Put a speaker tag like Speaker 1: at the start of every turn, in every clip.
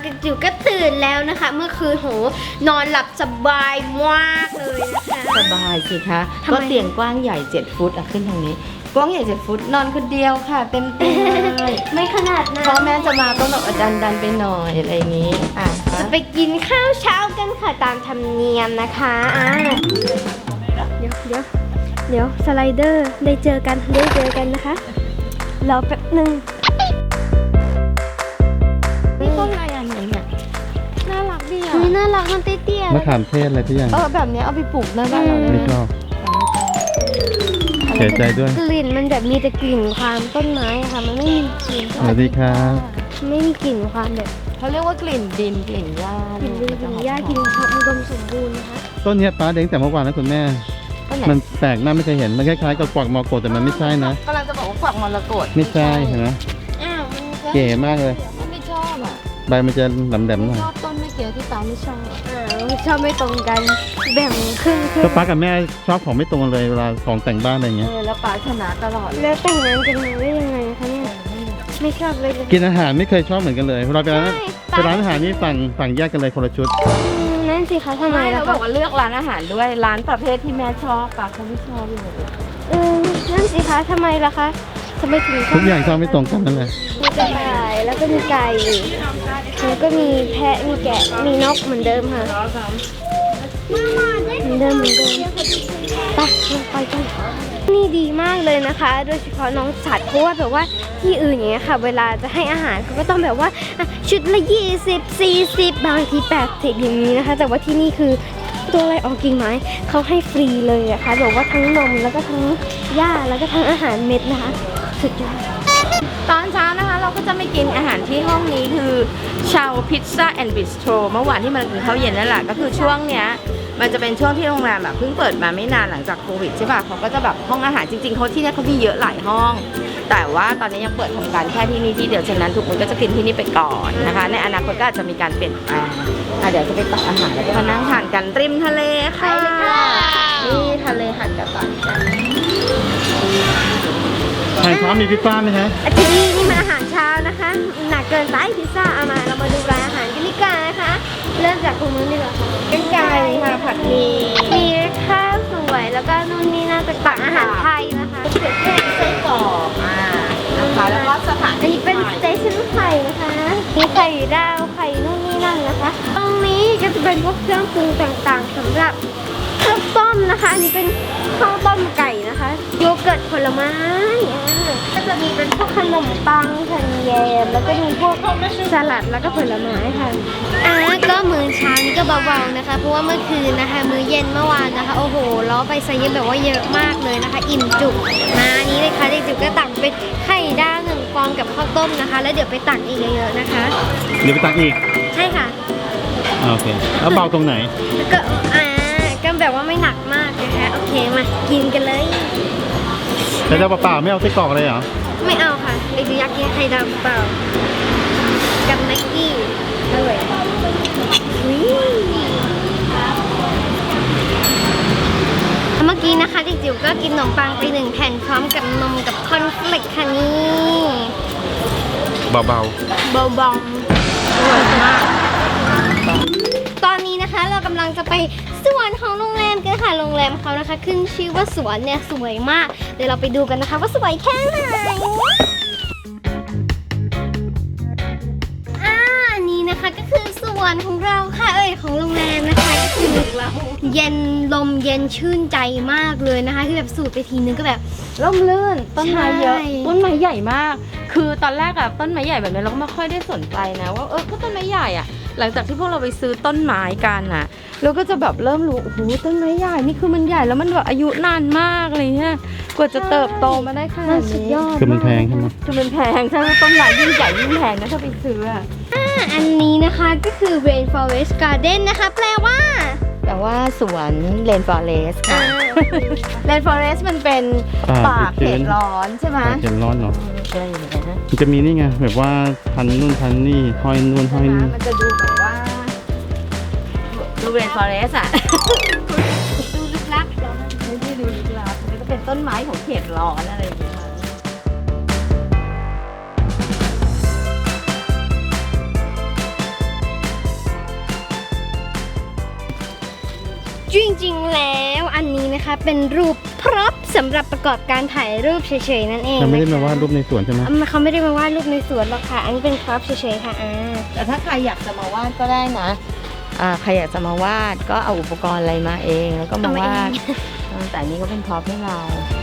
Speaker 1: จิ๋วก็ตื่นแล้วนะคะ เมื่อคืนโหนอนหลับสบายมากเลยนะคะ
Speaker 2: สบายสิคะก็เตียงกว้างใหญ่7 ฟุตขึ้นทางนี้กว้างใหญ่7 ฟุตนอนคนเดียวค่ะเต็มเตียงเลย
Speaker 1: ไม่ขนาดนั้น
Speaker 2: พ่อแม่จะมาก็แบบดันไปหน่อยอะไรอย่างนี้
Speaker 1: จะไปกินข้าวเช้ากันค่ะตามธรรมเนียมนะคะเดี๋ยวสไลเดอร์ได้เจอกันนะคะรอแป๊บนึง
Speaker 2: นี่ต้นอะไรอย่างนี้เนี่ยน่ารักดีอ่ะ
Speaker 1: น่ารักมันเตี้ยๆ
Speaker 3: มะขามเทศอะไรทุกอย่าง
Speaker 2: แบบนี้เอาไปปลูกหน้าบ้านเราได้
Speaker 3: ไม่ชอบเสียใจด้วย
Speaker 1: กลิ่นมันแบบมีแต่กลิ่นความต้นไม้อะค่ะมันไม่มีกลิ่น
Speaker 3: สวัสดีครับ
Speaker 1: ไม่มีกลิ่นความแบบ
Speaker 2: เขาเรียกว่ากลิ่นดินกลิ่นหญ้าก
Speaker 1: ลิ่นดินกลิ่นหญ้ากลิ่นความอุดมสมบูรณ์นะคะ
Speaker 3: ต้นเนี้ยป้าเด้งแต่เมื่อวานนะคุณแม่
Speaker 2: ต้นไหน
Speaker 3: มันแปลกหน้าไม่เคยเห็น มันคล้ายๆกับกวักมอโกแต่มันไม่ใช่นะ
Speaker 2: กำลังจะบอกว่าฝักมรกต
Speaker 3: ไม่ใช่เห็นไหม
Speaker 1: อ้าวมันก็
Speaker 3: เก๋มากเลย
Speaker 2: ไม่ชอบอ่ะ
Speaker 3: ใบมันจะแหลมๆหน่อย
Speaker 2: ชอบต้นเมื่อกี้ที่ตาไม่ชอบ
Speaker 1: ชอบไม่ตรงกันแบ่งครึ่ง
Speaker 3: ก็ป้ากับแม่ชอบของไม่ตรงกันเลยเวลาของแต่งบ้านอะไรเงี้ย
Speaker 2: แล้วป๋าชนะตลอด
Speaker 1: แล้วแต่งงานกันมาได้ยังไงคะเนี่ยไม่ชอบเลย
Speaker 3: กินอาหารไม่เคยชอบเหมือนกันเลยเราไปร้านอาหารนี่ฝั่งแยกกันเลยคนละชุด
Speaker 1: นั่นสิคะทำไม
Speaker 2: ไม่
Speaker 1: ล่ะ
Speaker 2: เราบ
Speaker 1: คะ
Speaker 2: อกว่าเลือกร้านอาหารด้วยร้านประเภทที่แม่ชอบป๋าเขาไม่ชอบเลย
Speaker 1: นั่นสิคะทำไมล่ะคะทำไมถึงชอบ
Speaker 3: ทุกอย่างชอบไม่ตรงกันนั่นแหละ
Speaker 1: มีกระต่ายแล้วก็มีไก่แล้วก็มีแพะมีแกะมีนกเหมือนเดิมค่ะเหมือนเดิมไปกันนี่ดีมากเลยนะคะ โดยเฉพาะน้องสัตว์เพราะว่าแบบว่าที่อื่นอย่างเงี้ยค่ะ เวลาจะให้อาหารเขาก็ต้องแบบว่าชุดละ20 40บางที80อย่างนี้นะคะ แต่ว่าที่นี่คือตัวอะไรออกกิ่งไม้เขาให้ฟรีเลยอะค่ะแบบว่าทั้งนมแล้วก็ทั้งหญ้าแล้วก็ทั้งอาหารเม็ดนะคะสุดยอด
Speaker 2: ตอนเช้านะคะเราก็จะไม่กินอาหารที่ห้องนี้คือชาวพิซซ่าแอนด์บิสโตรเมื่อวานที่มันกินข้าวเย็นนั่นแหละก็คือช่วงเนี้ยมันจะเป็นช่วงที่โรงแรมแบบเพิ่งเปิดมาไม่นานหลังจากโควิดใช่ป่ะเขาก็จะแบบห้องอาหารจริงๆเขาที่นี่เขามีเยอะหลายห้อง แต่ว่าตอนนี้ยังเปิดทำการแค่ที่นี่ที่เดียวฉะนั้นทุกคนก็จะกินที่นี่ไปก่อนนะคะในอนาคตก็อาจจะมีการเปลี่ยนแปลงเดี๋ยวจะไปตักอาหารแล้วก็มานั่งทานกันริมทะเลค่ะนี่ทะเลหันกระต่ายกัน
Speaker 3: อาหารเช้ามีพิซซ่าไหมฮะ
Speaker 1: ที่นี่นี่มันอาหารเช้านะคะหนักเกินไปพิซซ่าเอามาเรามาดูรายอาหารกันดีกว่านะคะเริ่มจากตรงนู้นดีกว่าค่ะ
Speaker 2: เป็นไก่ค่ะผัดหมี่
Speaker 1: มีข้าวสวยแล้วก็นู่นนี่น่าจะตักอาหารไทยนะคะ
Speaker 2: ไส้กรอกนะคะแล้วก็สถาน
Speaker 1: อันนี้เป็นสเตชันไข่นะคะมีไข่ดาวไข่นู่นนี่นั่นนะคะตรงนี้ก็จะเป็นพวกเครื่องปรุงต่างๆสำหรับข้าวต้มนะคะอันนี้เป็นข้าวต้มไก่นะคะโยเกิร์ตผลไม้ก็จะมีเป็นพวกขนมปังขนมแยมแล้วก็มีพวกสลัดแล้วก็ผลไม้ค่ะก็มื้อเช้านี่ก็เบาๆนะคะเพราะว่าเมื่อคืนนะคะมื้อเย็นเมื่อวานนะคะโอ้โหล้อไปซะเยอะแบบว่าเยอะมากเลยนะคะอิ่มจุกมาอันนี้เลยค่ะเด็กๆก็ตักเป็นไข่ดาว1 ฟองกับข้าวต้มนะคะ แล้วเดี๋ยวไปตักอีกเยอะๆนะคะ
Speaker 3: เดี๋ยวไปตักอีก
Speaker 1: ใช่ค่ะ
Speaker 3: โอเคแล้วเบาตรงไหน
Speaker 1: แล้วก็ก็แบบว่าไม่หนักมากนะคะโอเคมากินกันเลย
Speaker 3: แต่เจ้าเปล่าๆไม่เอาไส้กรอกเลยเหรอ
Speaker 1: ไม่เอาค่ะเด็กๆอยากกินไข่ดาวเปล่ากับแม็กกี้อร่อยเมื่อกี้นะคะเด็กจิ๋วก็กินขนมปังไป1 แผ่นพร้อมกับนมกับคอนเฟลกค่ะนี่
Speaker 3: เบา
Speaker 1: เบาบองอร่อยมากตอนนี้นะคะเรากำลังจะไปสวนของโรงแรมกันค่ะโรงแรมเขานะคะขึ้นชื่อว่าสวนเนี่ยสวยมากเดี๋ยวเราไปดูกันนะคะว่าสวยแค่ไหนอันนี้นะคะก็คือสวนของเราค่ะของโรงแรมนะคะก็คือเย็นลมเย็นชื่นใจมากเลยนะคะคือแบบสูดไปทีนึงก็แบบ
Speaker 2: ร่มรื่นต้นไม้เยอะ
Speaker 1: ใช่
Speaker 2: ต้นไม้ใหญ่มาก คือตอนแรกอะต้นไม้ใหญ่แบบนี้เราก็ไม่ค่อยได้สนใจนะว่าก็ต้นไม้ใหญ่อะหลังจากที่พวกเราไปซื้อต้นไม้กันอะเราก็จะแบบเริ่มรู้โอ้โหต้นไม้ใหญ่นี่คือมันใหญ่แล้วมันแบบอายุนานมากอะไรเงี้ยกว่าจะเติบโตมาได้ขนาด
Speaker 1: สุด
Speaker 2: นี้
Speaker 1: ยอด
Speaker 3: ๆคือมันแพงใช่ไหม
Speaker 2: คือมันแพงใช่ไหมต้นไม้ยิ่งใหญ่ยิ่งแพงนะถ้าไปซื้ออะ
Speaker 1: อันนี้นะคะก็คือ Rainforest Garden นะคะแปลว่า
Speaker 2: แต่ว่าสวนเลนฟอเรสค่ะเลนฟอเรสมันเป็นป่าเขตร้อนใช่ไหม
Speaker 3: เข็มร้อนเนาะ
Speaker 2: อะไรอย่างเงี้ยนะ
Speaker 3: มันจะมีนี่ไงแบบว่าพันนู่นพันนี่ห้อยนู่นห้อยนี่
Speaker 2: มันจะดูแบบว่าดูเรนฟอเรสอะ
Speaker 1: ดูลึกลับ
Speaker 2: ไม่ได้ดูลึกลับมันก็เป็นต้นไม้ของเขตร้อนอะไรอย่างเงี้ย
Speaker 1: จริงๆแล้วอันนี้นะคะเป็นรูปพร็อพสำหรับประกอบการถ่ายรูปเฉยๆนั่นเอง
Speaker 3: เราไม่ได้มาวาดรูปในสวนใช่ไหม
Speaker 1: เขาไม่ได้มาวาดรูปในสวนหรอกค่ะ อันนี้เป็นพร็อพเฉยๆค่ะ
Speaker 2: แต่ถ้าใครอยากจะมาวาดก็ได้นะใครอยากจะมาวาดก็เอาอุปกรณ์อะไรมาเองแล้วก็มาวาดแต่อันนี้ก็เป็นพร็อพให้เรา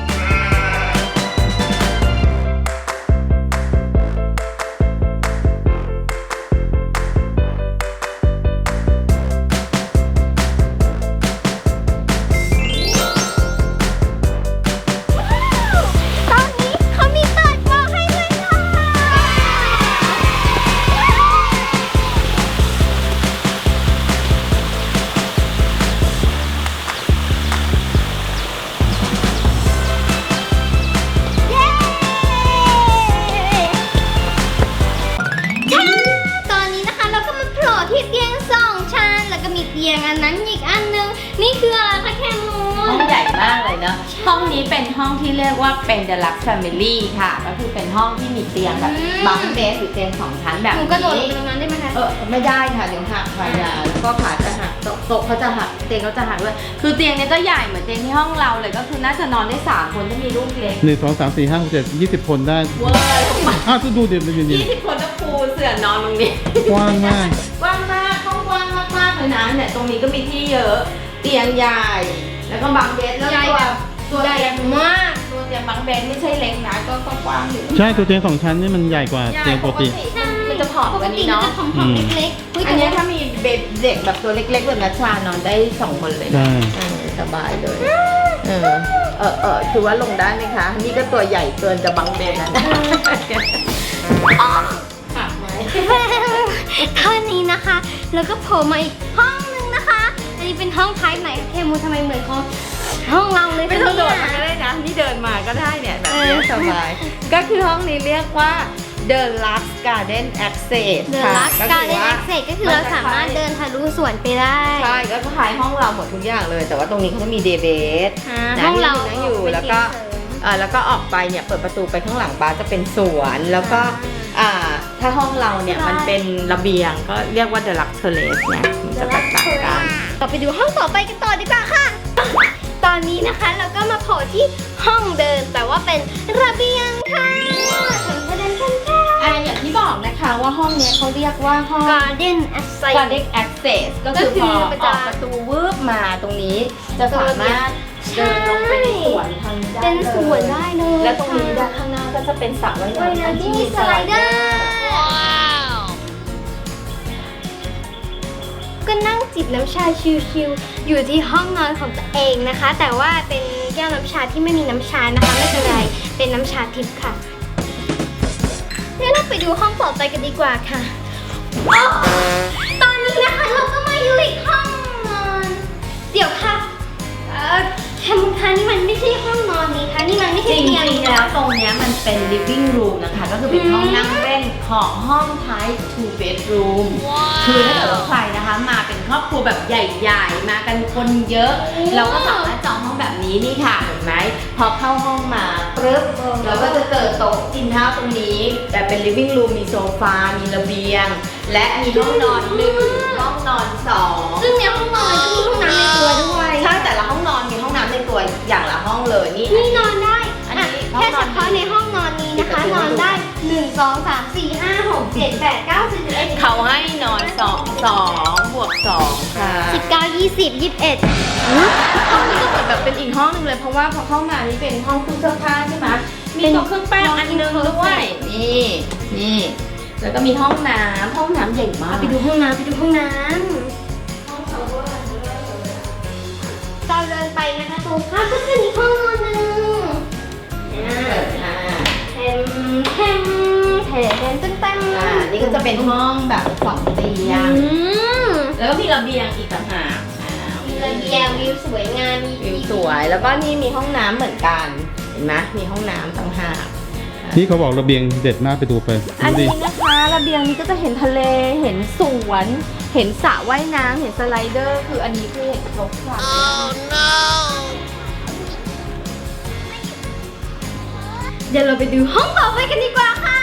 Speaker 1: เตียงอันนั้นอีกอันนึงนี่คืออะไรคะแคมู
Speaker 2: ห้องใหญ่มากเลยเนอะห้องนี้เป็นห้องที่เรียกว่าเป็น Deluxe Family ค่ะก็คือเป็นห้องที่มีเตียงแบบบังเบสหรือเตียง2 ชั้นแบบ
Speaker 1: หนู
Speaker 2: นี้
Speaker 1: กระโดดลงไปตรงนั้นได้ไหมคะ
Speaker 2: ไม่ได้ค่ะเดี๋ยวหักค่ะอย่าแล้วก็ขาจะหักโต๊ะเขาจะหักเตียงเขาจะหักด้วยคือเตียงเนี้ยก็ใหญ่เหมือนเตียงที่ห้องเราเลยก็คือน่าจะนอนได้3 คนถ้ามีลูกเล็ก
Speaker 3: 1 2 3 4 5 6 7 20 คนได้
Speaker 2: เวอร์
Speaker 3: ดูเดี๋ยวยืน
Speaker 2: 20 คนก็ปูเสื่อนอนตรงนี้
Speaker 3: กว้างมาก
Speaker 2: กว้างมากห้องกว้างมากๆเลยนะเนี่ยตรงนี้ก็มีที่เยอะเตียงใหญ่แล้วก็บังเบสแล้วตัวเตียงมากตัวเตียงบังเบสไม่ใช่เล็กนะก็กว้างอยู่
Speaker 3: ใช่ตัวเตียง2 ชั้นนี่มันใหญ่กว่าเตียงปกติ
Speaker 2: มันจะผอมกว่านี้เนาะ
Speaker 1: ปกติมันจะผอมๆเล็กๆ
Speaker 2: อันนี้ถ้ามีเด็กแบบตัวเล็กๆแบบนัชชานอนได้2 คนเลย
Speaker 3: ใช่
Speaker 2: สบายเลยคือว่าลงได้ไหมคะนี่ก็ตัวใหญ่เกินจะบังเบสแล้วนะ
Speaker 1: เท่านี้นะคะ แล้วก็โผล่มาอีกห้องนึงนะคะ อันนี้เป็นห้องท้ายไหนเคมูทำไมเหมือนห้องเราเลย
Speaker 2: ไม่ต้องโดดมาก็ได้นะนี่เดินมาก็ได้เนี่ยแบบนี้สบายก็คือห้องนี้เรียกว่า The Lux Garden Access
Speaker 1: เดอะลักการเล่นแอคเซสก็คือเราสามารถเดินทะลุสวนไปได้
Speaker 2: ใช่ก็คล้ายห้องเราหมดทุกอย่างเลย แต่ว่าตรงนี้เขาจะมีเดย์เบส
Speaker 1: ห้องเรา
Speaker 2: นั่งอยู่แล้วก็ออกไปเนี่ยเปิดประตูไปข้างหลังบ้านจะเป็นสวนแล้วก็ถ้าห้องเราเนี่ยมันเป็นระเบียงก็เรียกว่า The Lux Terrace เนี่ยมันจะแตกต่างกัน
Speaker 1: ต่อไปดูห้องต่อไปกันต่อดีกว่าค่ะ ตอนนี้นะคะเราก็มาโผล่ที่ห้องเดินแต่ว่าเป็นระเบียงค่ะ
Speaker 2: อย่างที่บอกนะคะว่าห้องเนี้ยเขาเรียกว่าห้อง
Speaker 1: Garden Access
Speaker 2: Garden Access ก็คือพอออกประตูวืบมาตรงนี้จะสามารถเดินลงไปในสวนทางด้าน
Speaker 1: เป็นสวนได้เลย
Speaker 2: และตรงนี้ด้านข้างหน้าก็จะเป็นสระว่ายน้ำ
Speaker 1: ที่มีสไลเดอร์ก็นั่งจิบน้ำชาชิลๆอยู่ที่ห้องนอนของตัวเองนะคะ แต่ว่าเป็นแก้วน้ำชาที่ไม่มีน้ำชานะคะไม่เป็นไรเป็นน้ำชาทิพย์ค่ะเดี๋ยวเราไปดูห้องต่อไปกันดีกว่าค่ะตอนนี้นะคะเราก็มาอยู่อีกห้องนอนเดี๋ยวค่ะแคมูคะนี่มันไม่ใช่ห้องนอนนี่คะนี่มันไม่
Speaker 2: จ
Speaker 1: ใช่เตียง
Speaker 2: ริงๆแล้วตรงเนี้ยมันเป็น living room นะคะก็คือเป็นห้องนั่งเล่นของห้อง type 2 bedroom คือถ้าเกิดว่าใครนะคะมาเป็นครอบครัวแบบใหญ่ๆมากันคนเยอะเราก็สามารถจองห้องแบบนี้นี่ค่ะเห็นไหมพอเข้าห้องมาปึ๊บเราก็จะเจอโต๊ะกินข้าวตรงนี้แต่เป็น living room มีโซฟา มีระเบียง และมีห้องนอน1ห้องนอน2
Speaker 1: ซึ่งในห้องนอนก็มีห้องน้ำในตัวด้วย
Speaker 2: ใช่แต่ละห้องนอนมีห้องน้ำในตัวอย่างละห้องเลยนี่
Speaker 1: นอนได้
Speaker 2: อันนี้
Speaker 1: แค่เฉพาะในห้องนอนนี้นะคะนอนได้1 2 3 4 5 6 7 8 9 10 11
Speaker 2: เขาให้นอน2 บวก 2 ค่ะ
Speaker 1: 19 20 21
Speaker 2: ห้องนี้ก็เหมือนแบบเป็นอีกห้องนึงเลยเพราะว่าพอเข้ามานี่เป็นห้องเครื่องเสื้อผ้าใช่ไหมมีโต๊ะเครื่องแป้งอันนึงด้วยนี่แล้วก็มีห้องน้ำใหญ่มาก
Speaker 1: ไปดูห้องน้ำเราเดินไปนะคะตรงข้ามก็จะมีห้องนอนหนึ่งเต็ม
Speaker 2: นี่ก็จะเป็นห้องแบบ2 เตียงแล้วก็มีระเบียงอีกต่างหาก
Speaker 1: มีระเบียงวิวสวยงามมี
Speaker 2: วิวสวยแล้วก็นี่มีห้องน้ำเหมือนกันเห็นไหมมีห้องน้ำต่างหาก
Speaker 3: นี่เขาบอกระเบียงเด็ดมากไปดูไป
Speaker 2: อัน
Speaker 3: ดูดิ
Speaker 2: นี้นะคะระเบียงนี้ก็จะเห็นทะเลเห็นสวนเห็นสระว่ายน้ำเห็นสไลเดอร์คืออันนี้คือเห็นครบครัน
Speaker 1: เดี๋ยวเราไปดูห้องต่อไปกันดีกว่าค่ะ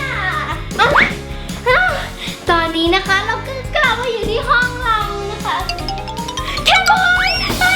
Speaker 1: ตอนนี้นะคะเราก็กลับมาอยู่ที่ห้องเรานะคะแคมบอยตอ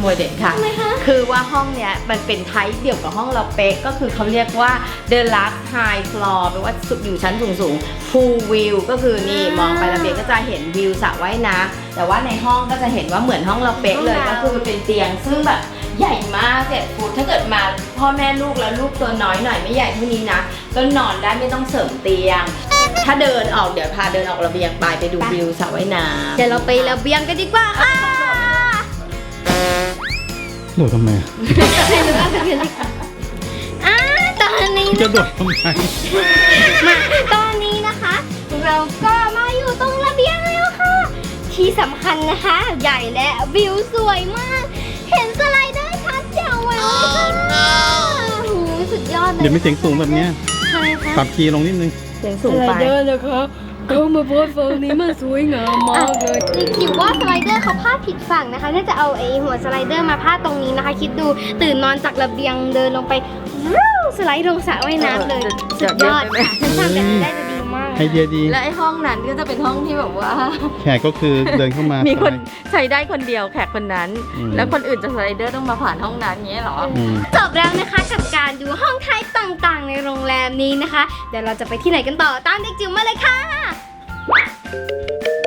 Speaker 2: ยเด็ดค่ะ
Speaker 1: ทำไมคะ
Speaker 2: คือว่าห้องเนี้ยมันเป็นไทป์เดียวกับห้องเราเป๊ะก็คือเขาเรียกว่า The Last High Floor แปลว่าอยู่ชั้นสูงๆ Pool View ก็คือนี่มองไประเบียงก็จะเห็นวิวสระว่ายน้ำแต่ว่าในห้องก็จะเห็นว่าเหมือนห้องเราเป๊ะเลยก็คือเป็นเตียงซึ่งแบบใหญ่มาก7 ฟุตถ้าเกิดมาพ่อแม่ลูกแล้วลูกตัวน้อยหน่อยไม่ใหญ่เท่านี้นะก็นอนได้ไม่ต้องเสริมเตียง ถ้าเดินออกเดี๋ยวพาเดินออกระเบียงไปดูวิวสระว่ายน้ำ
Speaker 1: เดี๋ยวเราไประเบียงกันดีกว่าค่ะ
Speaker 3: โดดทำไม
Speaker 1: ตอนนี้
Speaker 3: จะโดดทำไม
Speaker 1: มาตอนนี้นะคะ เราก็มาอยู่ตรงระเบียงแล้วค่ะ ที่สำคัญนะคะ ใหญ่และวิวสวยมาก เห็นสไลเดอร์ชัดแจ๋วเลยค่ะโอ้โหสุดยอดเลย
Speaker 3: เดี๋ยวมีเสียงสูงแบบเนี้ย
Speaker 1: ใช่ค่ะ
Speaker 3: ปรับคีย์ลงนิดนึง
Speaker 2: เสียงสูงไป
Speaker 4: นะคะเขามาโพสต์ฝั่งนี้มันสวยงามมากเลย
Speaker 1: นี่คิดว่าสไลเดอร์เขาพาดผิดฝั่งนะคะน่าจะเอาไอ้หัวสไลเดอร์มาพาดตรงนี้นะคะ คิดดูตื่นนอนจากระเบียงเดินลงไปวู้สไลด์ลงสระว่ายน้ำเลยสุดยอดค่ะถ้าทำแบบนี้ได้จะดีมาก
Speaker 3: ไอเดียดี
Speaker 2: และไอ้ห้องนั้นก็จะเป็นห้องที่แบบว่า
Speaker 3: แขกก็คือเดินเข้ามา
Speaker 2: มีคน
Speaker 3: ไป
Speaker 2: ใช้ได้คนเดียวแขกคนนั้น
Speaker 3: อืม
Speaker 2: แล้วคนอื่นจะสไลเดอร์ต้องมาผ่านห้องนั้นอย่างเงี้ยเหรอ
Speaker 3: อืม
Speaker 1: จบแล้วนะคะกับการดูห้องไทยต่างๆ ในโรงแรมนี้นะคะ เดี๋ยวเราจะไปที่ไหนกันต่อตามเด็กจิ๋วมาเลยค่ะ